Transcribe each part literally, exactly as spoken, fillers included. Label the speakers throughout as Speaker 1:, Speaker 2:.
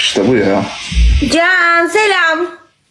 Speaker 1: İşte bu ya.
Speaker 2: Can selam.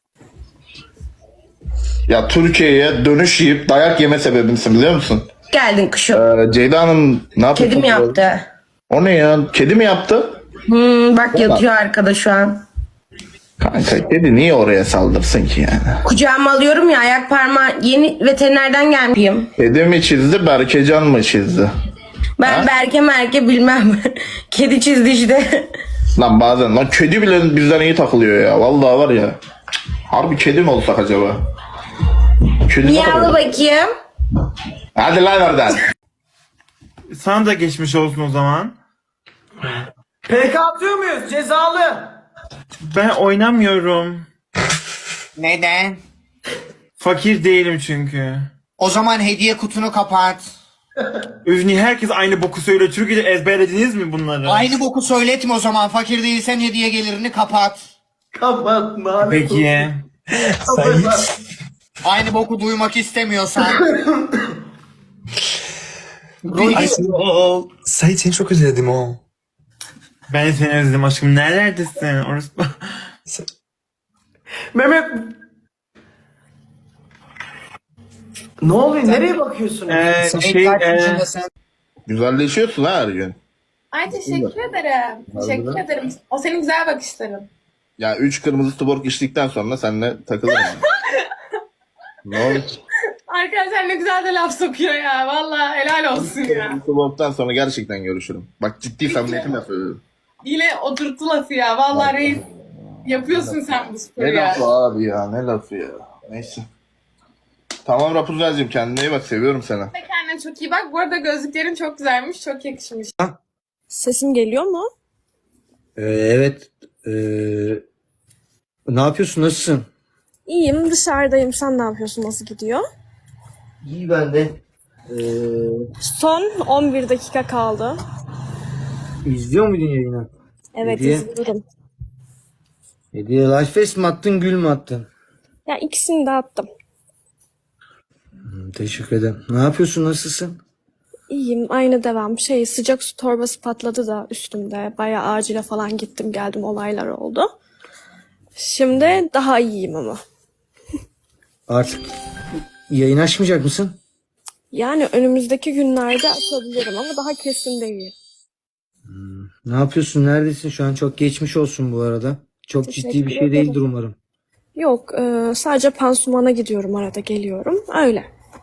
Speaker 1: Ya Türkiye'ye dönüş yiyip dayak yeme sebebimsin biliyor musun?
Speaker 2: Geldin kuşum.
Speaker 1: Ee, Ceyda Hanım ne yapıyor?
Speaker 2: Kedi mi yaptı?
Speaker 1: O ne ya? Kedi mi yaptı?
Speaker 2: Hmm, bak yatıyor arkada şu an.
Speaker 1: Kanka kedi niye oraya saldırsın ki yani?
Speaker 2: Kucağıma alıyorum ya, ayak parmağı yeni veterinerden gelmeyeyim.
Speaker 1: Kedi mi çizdi, Berkecan mı çizdi?
Speaker 2: Ben
Speaker 1: Ha?
Speaker 2: Berke merke bilmem. Kedi çizdi işte.
Speaker 1: Lan bazen lan kedi bile bizden iyi takılıyor ya. Vallahi var ya. Harbi kedi mi olsak acaba? Kedi
Speaker 2: Niye
Speaker 1: ne
Speaker 2: al
Speaker 1: kadar-
Speaker 2: bakayım?
Speaker 1: Hadi lan oradan.
Speaker 3: Sana da geçmiş olsun o zaman.
Speaker 4: P K atıyor muyuz? Cezalı.
Speaker 3: Ben oynamıyorum.
Speaker 5: Neden?
Speaker 3: Fakir değilim çünkü.
Speaker 5: O zaman hediye kutunu kapat.
Speaker 3: Övni herkes aynı boku söylüyor. Türkiye'de ezberlediniz mi bunları?
Speaker 5: Aynı boku söyletme o zaman. Fakir değilsen hediye gelirini kapat.
Speaker 4: Kapat lanet
Speaker 3: Peki.
Speaker 4: olsun.
Speaker 5: Aynı boku duymak istemiyorsan.
Speaker 6: Ay ol. Sait seni çok özledim o.
Speaker 3: Ben seni özledim aşkım. Nerelerdesin? Orası...
Speaker 4: Mehmet. Ne oluyor? Nereye bakıyorsun?
Speaker 3: Ee,
Speaker 5: Sait
Speaker 3: şey,
Speaker 5: kaç
Speaker 3: e,
Speaker 5: yaşındasın?
Speaker 1: Güzelleşiyorsun ha her gün.
Speaker 7: Ay teşekkür ederim. Teşekkür ederim. O senin güzel bakışların.
Speaker 1: Ya üç kırmızı tuborg içtikten sonra seninle takılırım. yani. Ne oldu?
Speaker 7: Arkadaşlar ne güzel de laf sokuyor ya. Vallahi helal olsun ya.
Speaker 1: Kırmızı tuborgdan sonra gerçekten görüşürüm. Bak ciddi samimiyetimle söylüyorum.
Speaker 7: Yine oturttu lafı ya. Vallahi reis yapıyorsun sen bu sporu
Speaker 1: Ne
Speaker 7: ya.
Speaker 1: lafı abi ya ne lafı ya. Neyse. Tamam Rapunzel'cim kendine iyi bak seviyorum seni.
Speaker 7: Kendine çok iyi bak. Bu arada gözlüklerin çok güzelmiş. Çok yakışmış.
Speaker 8: Sesim geliyor mu?
Speaker 9: Ee, evet. Ee, ne yapıyorsun? Nasılsın?
Speaker 8: İyiyim, dışarıdayım. Sen ne yapıyorsun? Nasıl gidiyor?
Speaker 9: İyi ben de. Ee,
Speaker 8: Son on bir dakika kaldı.
Speaker 9: izliyor muydun yayını?
Speaker 8: Evet,
Speaker 9: Hediye.
Speaker 8: izliyorum.
Speaker 9: Hediye Lifefest mi attın, gül mü attın?
Speaker 8: Ya ikisini de attım.
Speaker 9: Hmm, teşekkür ederim. Ne yapıyorsun? Nasılsın?
Speaker 8: İyiyim, aynı devam. Şey, sıcak su torbası patladı da üstümde. Bayağı acile falan gittim geldim, olaylar oldu. Şimdi daha iyiyim ama.
Speaker 9: Artık yayın açmayacak mısın?
Speaker 8: Yani önümüzdeki günlerde açabilirim ama daha kesin değil.
Speaker 9: Ne yapıyorsun? Neredesin? Şu an çok geçmiş olsun bu arada. Çok
Speaker 8: Teşekkür
Speaker 9: ciddi bir şey
Speaker 8: ederim.
Speaker 9: değildir umarım.
Speaker 8: Yok, e, sadece pansumana gidiyorum, arada geliyorum. Öyle.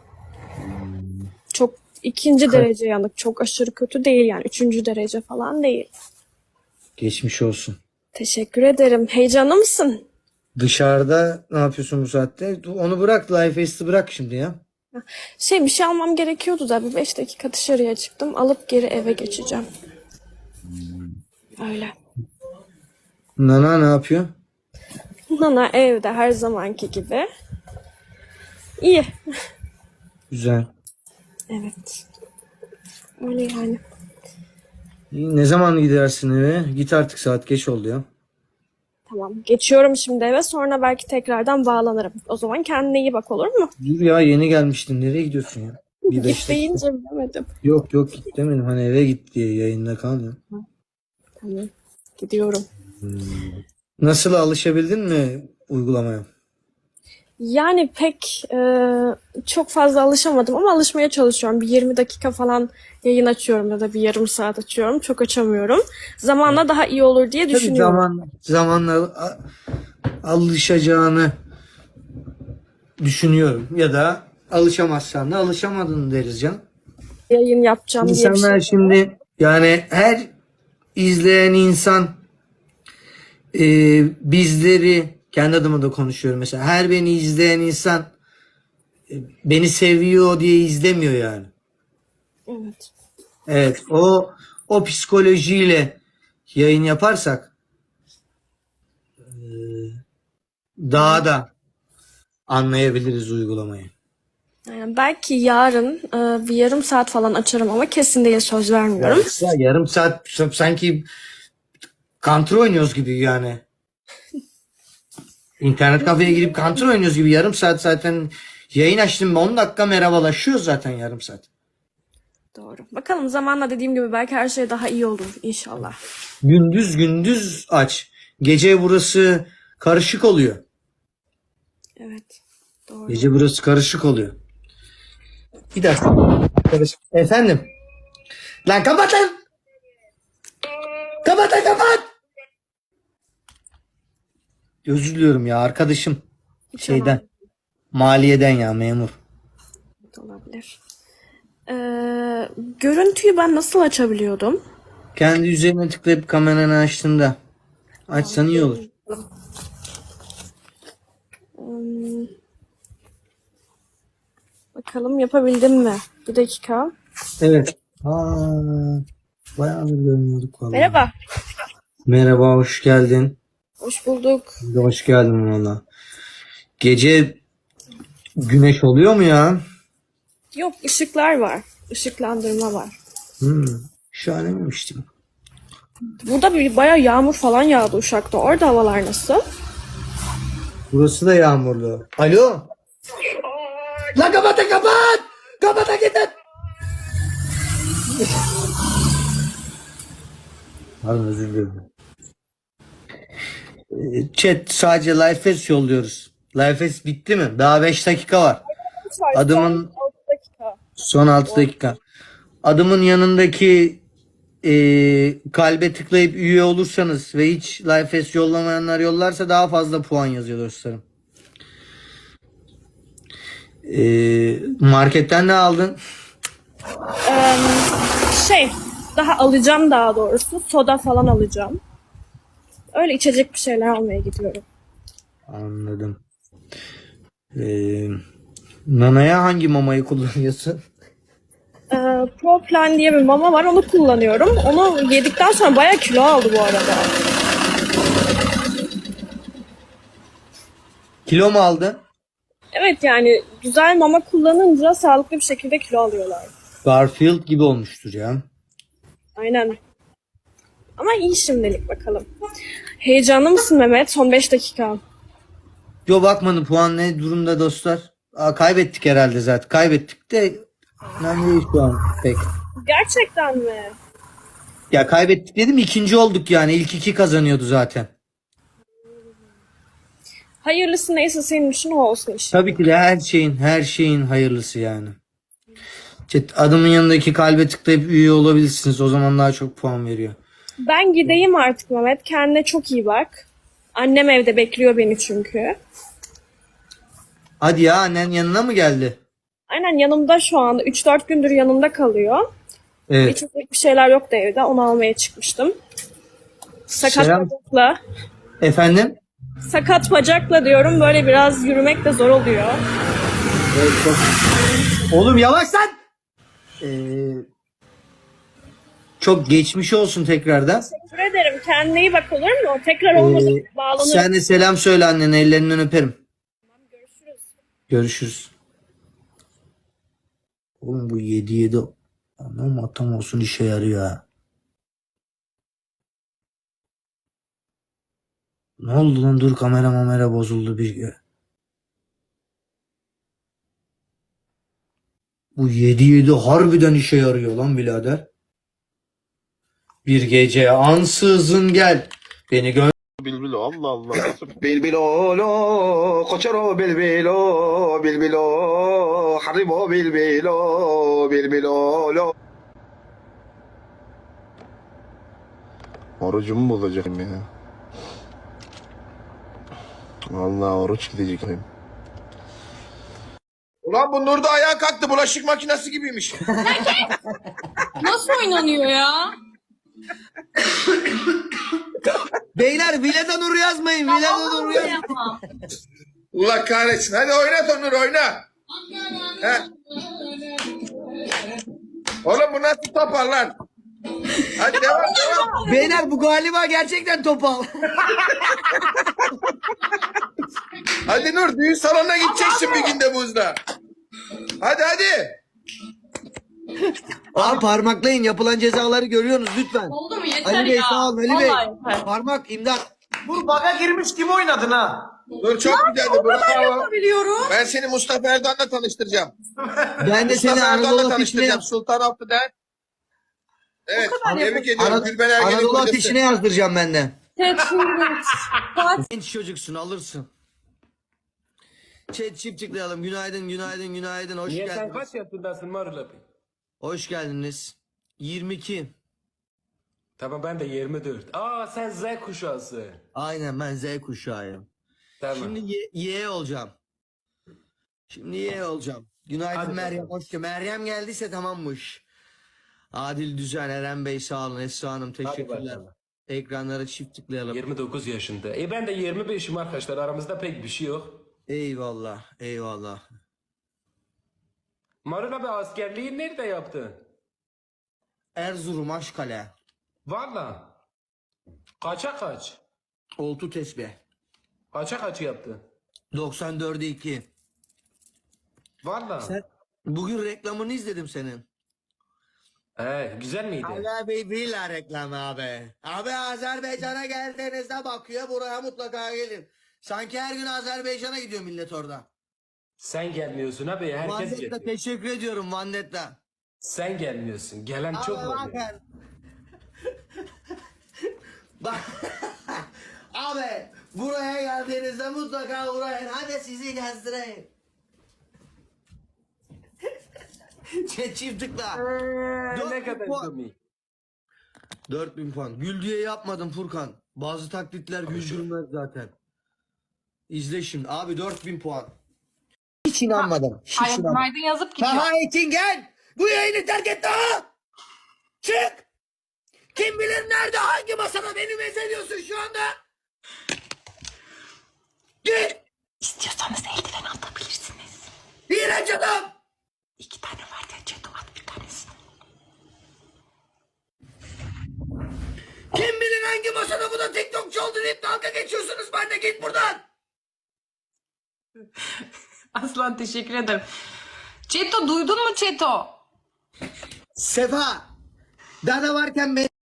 Speaker 8: Çok ikinci derece yanık. Çok aşırı kötü değil yani. Üçüncü derece falan değil.
Speaker 9: Geçmiş olsun.
Speaker 8: Teşekkür ederim. Heyecanlı mısın?
Speaker 9: Dışarıda ne yapıyorsun bu saatte? Onu bırak. Lifefest'i bırak şimdi ya.
Speaker 8: Şey, bir şey almam gerekiyordu da bir beş dakika dışarıya çıktım. Alıp geri eve geçeceğim. Öyle.
Speaker 9: Nana ne yapıyor?
Speaker 8: Nana evde her zamanki gibi. İyi.
Speaker 9: Güzel.
Speaker 8: Evet. Öyle yani.
Speaker 9: İyi, ne zaman gidersin eve? Git artık, saat geç oldu ya.
Speaker 8: Tamam. Geçiyorum şimdi eve. Sonra belki tekrardan bağlanırım. O zaman kendine iyi bak, olur mu?
Speaker 9: Dur ya, yeni gelmiştin. Nereye gidiyorsun ya? Bir beş
Speaker 8: Git
Speaker 9: dakika.
Speaker 8: deyince bilemedim.
Speaker 9: Yok yok git demedim. Hani eve git diye yayında kal ya.
Speaker 8: Tamam. Gidiyorum.
Speaker 9: Nasıl, alışabildin mi uygulamaya?
Speaker 8: Yani pek e, çok fazla alışamadım ama alışmaya çalışıyorum. Bir yirmi dakika falan yayın açıyorum ya da bir yarım saat açıyorum. Çok açamıyorum. Zamanla daha iyi olur diye
Speaker 9: Tabii
Speaker 8: düşünüyorum.
Speaker 9: zaman, zamanla a- alışacağını düşünüyorum. Ya da alışamazsan da alışamadın deriz canım.
Speaker 8: Yayın yapacağım diye bir
Speaker 9: İnsanlar
Speaker 8: şey.
Speaker 9: şimdi yani her izleyen insan e, bizleri, kendi adıma da konuşuyorum mesela, her beni izleyen insan e, beni seviyor diye izlemiyor yani.
Speaker 8: Evet.
Speaker 9: Evet, o o psikolojiyle yayın yaparsak e, daha da anlayabiliriz uygulamayı.
Speaker 8: Yani belki yarın e, bir yarım saat falan açarım ama kesin değil, söz vermiyorum.
Speaker 9: Ya, yarım saat sanki Counter oynuyoruz gibi yani. İnternet kafeye girip Counter oynuyoruz gibi. Yarım saat zaten yayın açtım. on dakika merhabalaşıyoruz zaten yarım saat.
Speaker 8: Doğru. Bakalım zamanla, dediğim gibi belki her şey daha iyi olur inşallah.
Speaker 9: Gündüz gündüz aç. Gece burası karışık oluyor.
Speaker 8: Evet. Doğru.
Speaker 9: Gece burası karışık oluyor. Bir dakika. Karışık. Efendim. Lan kapat lan. Kapat lan kapat. Özür diliyorum ya arkadaşım. Şeyden. Maliyeden ya memur.
Speaker 8: Olabilir. Ee, görüntüyü ben nasıl açabiliyordum?
Speaker 9: Kendi üzerine tıklayıp kameranı açtığında. Açsan iyi olur.
Speaker 8: Hmm. Bakalım yapabildim mi? Bir dakika.
Speaker 9: Evet. Aa, bayağı bir görmüyorduk vallahi.
Speaker 8: Merhaba.
Speaker 9: Merhaba, hoş geldin.
Speaker 8: Hoş bulduk.
Speaker 9: Hoş geldin valla. Gece güneş oluyor mu ya?
Speaker 8: Yok, ışıklar var. Işıklandırma var.
Speaker 9: Hmm, şahane miymiştim.
Speaker 8: Burada bir bayağı yağmur falan yağdı Uşak'ta. Orada havalar nasıl?
Speaker 9: Burası da yağmurlu. Alo? Lan kapatın kapat! Kapatın gidin! Pardon özür dilerim. Ee, Chat sadece live fest yolluyoruz. Live fest bitti mi? Daha beş dakika var. Adımın
Speaker 8: altı dakika.
Speaker 9: son altı dakika. Adımın yanındaki e, kalbe tıklayıp üye olursanız ve hiç live fest yollamayanlar yollarsa daha fazla puan yazıyor dostlarım. Ee, marketten ne aldın?
Speaker 8: Ee, şey, daha alacağım daha doğrusu. Soda falan alacağım. Öyle içecek bir şeyler almaya gidiyorum.
Speaker 9: Anladım. Ee, Nana'ya hangi mamayı kullanıyorsun?
Speaker 8: Ee, Pro Plan diye bir mama var, onu kullanıyorum. Onu yedikten sonra bayağı kilo aldı bu arada.
Speaker 9: Kilo mu aldın?
Speaker 8: Evet, yani güzel mama kullanınca sağlıklı bir şekilde kilo alıyorlar.
Speaker 9: Garfield gibi olmuştur ya.
Speaker 8: Aynen. Ama iyi şimdilik, bakalım. Heyecanlı mısın Mehmet? Son beş dakika.
Speaker 9: Yo bakmadım puan ne durumda dostlar. Aa, kaybettik herhalde zaten. Kaybettik de önemli değil şu an pek.
Speaker 8: Gerçekten mi?
Speaker 9: Ya kaybettik dedim ikinci olduk yani. İlk iki kazanıyordu zaten.
Speaker 8: Hayırlısı neyse senin için o olsun işte.
Speaker 9: Tabii ki de her şeyin her şeyin hayırlısı yani. Chat, adımın yanındaki kalbe tıklayıp üye olabilirsiniz. O zaman daha çok puan veriyor.
Speaker 8: Ben gideyim artık Mehmet. Kendine çok iyi bak. Annem evde bekliyor beni çünkü.
Speaker 9: Hadi ya annen yanına mı geldi?
Speaker 8: Aynen, yanımda şu anda. üç dört gündür yanımda kalıyor.
Speaker 9: Evet.
Speaker 8: İçecek bir şeyler yoktu evde. Onu almaya çıkmıştım. Sakat
Speaker 9: Selam.
Speaker 8: bacakla.
Speaker 9: Efendim?
Speaker 8: Sakat bacakla diyorum. Böyle biraz yürümek de zor oluyor.
Speaker 9: Evet, çok... Oğlum yavaş lan! Ee, çok geçmiş olsun tekrardan.
Speaker 8: Teşekkür ederim. Kendine iyi bak, olur mu? Tekrar olmadı.
Speaker 9: Ee,
Speaker 8: Bağlanırım.
Speaker 9: sen de selam söyle annene, ellerinden öperim.
Speaker 8: Görüşürüz.
Speaker 9: Görüşürüz. Oğlum bu yedi yedi anam atam olsun işe yarıyor ha. Ne oldu lan, dur kamera mamera bozuldu bir. Bu yedi yedi harbiden işe yarıyor lan birader. Bir gece ansızın gel beni gör.
Speaker 1: Bilbilo Allah Allah. Bilbilo lo koçero bilbilo bilbilo haribo bilbilo bilbilo lo. Orucumu bozacağım ya. Vallahi oruç gidecek. Ulan bu Nur da ayağa kalktı, bulaşık makinesi gibiymiş.
Speaker 7: Nasıl oynanıyor ya?
Speaker 9: Beyler Vileda Nur yazmayın. Vileda Nur yazmayın.
Speaker 7: Yapma.
Speaker 1: Allah kahretsin. Hadi oynat Onur, oyna. He. Oğlum bu nasıl topar lan? Hadi devam devam.
Speaker 9: Beyler bu galiba gerçekten topal.
Speaker 1: Hadi Nur, düğün salonuna gideceksin bir günde buzda. Hadi hadi.
Speaker 9: Abi parmaklayın, yapılan cezaları görüyorsunuz lütfen.
Speaker 7: Oldu mu? Yeter
Speaker 9: Ali Bey
Speaker 7: ya.
Speaker 9: sağ olun Ali Bey.
Speaker 7: Vallahi yeter.
Speaker 9: Parmak imdat.
Speaker 4: Bu baga girmiş gibi oynadın ha.
Speaker 1: Nur çok güzeldi. Bravo.
Speaker 7: Biliyorum.
Speaker 1: Ben seni Mustafa Erdoğan'la tanıştıracağım.
Speaker 9: Ben de seni
Speaker 1: Mustafa
Speaker 9: Anadolu
Speaker 1: Erdoğan'la
Speaker 9: ateşine
Speaker 1: tanıştıracağım. Sultan Abdü'den. Evet, tebrik ediyorum.
Speaker 9: Anad-
Speaker 1: Gülben Ergen'in
Speaker 9: Anadolu
Speaker 1: kocası.
Speaker 9: ateşine yazdıracağım ben de.
Speaker 8: Evet şimdi saat
Speaker 9: Genç çocuksun alırsın. Chat çift tıklayalım. Günaydın, günaydın, günaydın. Hoş
Speaker 10: Niye sen
Speaker 9: geldiniz.
Speaker 10: kaç yaşındasın Marulapi?
Speaker 9: Hoş geldiniz. yirmi iki.
Speaker 10: Tamam ben de yirmi dört. Aa sen Z kuşağısın.
Speaker 9: Aynen ben Z kuşağıyım.
Speaker 10: Tamam.
Speaker 9: Şimdi Y, Y olacağım. Şimdi Y olacağım. Günaydın
Speaker 10: Hadi
Speaker 9: Meryem.
Speaker 10: bakalım.
Speaker 9: Hoş geldin. Meryem geldiyse tamammış. Adil Düzen, Eren Bey sağ olun. Esra Hanım teşekkürler.
Speaker 10: bakalım.
Speaker 9: Ekranlara çift tıklayalım.
Speaker 10: yirmi dokuz yaşında. E ben de yirmi beşim arkadaşlar. Aramızda pek bir şey yok.
Speaker 9: Eyvallah, eyvallah.
Speaker 10: Marulapi askerliği nerede yaptın?
Speaker 9: Erzurum Aşkale.
Speaker 10: Valla. Kaça kaç?
Speaker 9: Oltu tesbih.
Speaker 10: Kaça kaç yaptın?
Speaker 9: doksan dörde iki.
Speaker 10: Valla.
Speaker 9: Sen bugün reklamını izledim senin.
Speaker 10: He güzel miydi?
Speaker 9: Allah Bey Villa reklamı abi. Abi Azerbaycan'a geldiğinizde bakıyor buraya mutlaka gelin. Sanki her gün Azerbaycan'a gidiyor millet orada.
Speaker 10: Sen gelmiyorsun abi. Herkes
Speaker 9: Vandetta
Speaker 10: geliyor.
Speaker 9: teşekkür ediyorum Vandetta.
Speaker 10: Sen gelmiyorsun. Gelen çok
Speaker 9: Abi
Speaker 10: oluyor.
Speaker 9: bakın. Bak. Abi buraya geldiğinizde mutlaka uğrayın. Hadi sizi gezdireyim. Çift çift tıkla. Dört
Speaker 10: Ne
Speaker 9: bin
Speaker 10: kadar
Speaker 9: puan.
Speaker 10: komik.
Speaker 9: dört bin puan. Gül diye yapmadım Furkan. Bazı taklitler güldürmez zaten. İzle şimdi. Abi dört bin puan. Hiç inanmadım. Hiç
Speaker 7: Ay
Speaker 9: inanmadım.
Speaker 7: günaydın yazıp gidiyor.
Speaker 9: Taha Etingen bu yayını terk et Taha. Çık. Kim bilir nerede hangi masada beni mezeliyorsun şu anda. Git.
Speaker 2: İstiyorsanız eldiven atabilirsiniz.
Speaker 9: İğrenç adam.
Speaker 2: İki tane var ya Çeto at bir tanesini.
Speaker 9: Kim bilir hangi masada bu da TikTokçu oldu deyip dalga geçiyorsunuz. Ben de git buradan.
Speaker 7: Aslan teşekkür ederim. Çeto duydun mu Çeto?
Speaker 9: Sefa. Dana varken ben